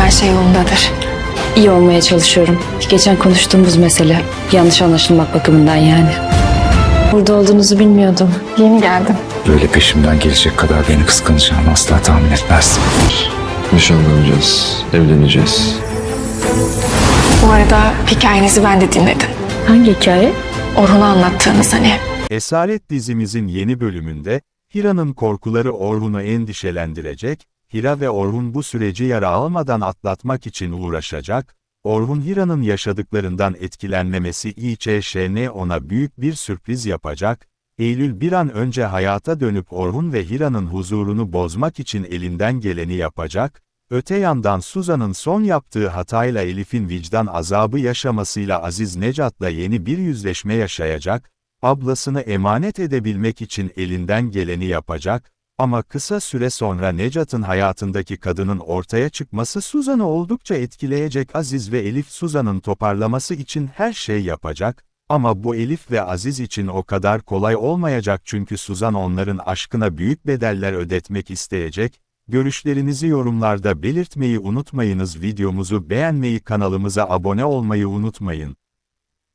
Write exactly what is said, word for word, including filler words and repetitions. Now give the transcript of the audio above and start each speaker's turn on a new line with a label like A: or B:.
A: her şey yolundadır.
B: İyi olmaya çalışıyorum. Geçen konuştuğumuz mesele. Yanlış anlaşılmak bakımından yani. Burada olduğunuzu bilmiyordum.
A: Yeni geldim.
C: Böyle peşimden gelecek kadar beni kıskanacağını asla tahmin etmezdim.
D: Nişanlanacağız, evleneceğiz.
A: Bu arada hikayenizi ben de dinledim.
B: Hangi hikaye?
A: Orhun'a anlattığınız hani.
E: Esaret dizimizin yeni bölümünde, Hira'nın korkuları Orhun'u endişelendirecek, Hira ve Orhun bu süreci yara almadan atlatmak için uğraşacak, Orhun Hira'nın yaşadıklarından etkilenmemesi için ona büyük bir sürpriz yapacak, Eylül bir an önce hayata dönüp Orhun ve Hira'nın huzurunu bozmak için elinden geleni yapacak, öte yandan Suzan'ın son yaptığı hatayla Elif'in vicdan azabı yaşamasıyla Aziz Necat'la yeni bir yüzleşme yaşayacak, ablasını emanet edebilmek için elinden geleni yapacak, ama kısa süre sonra Necat'ın hayatındaki kadının ortaya çıkması Suzan'ı oldukça etkileyecek. Aziz ve Elif Suzan'ın toparlaması için her şey yapacak, ama bu Elif ve Aziz için o kadar kolay olmayacak çünkü Suzan onların aşkına büyük bedeller ödetmek isteyecek. Görüşlerinizi yorumlarda belirtmeyi unutmayınız. Videomuzu beğenmeyi, kanalımıza abone olmayı unutmayın.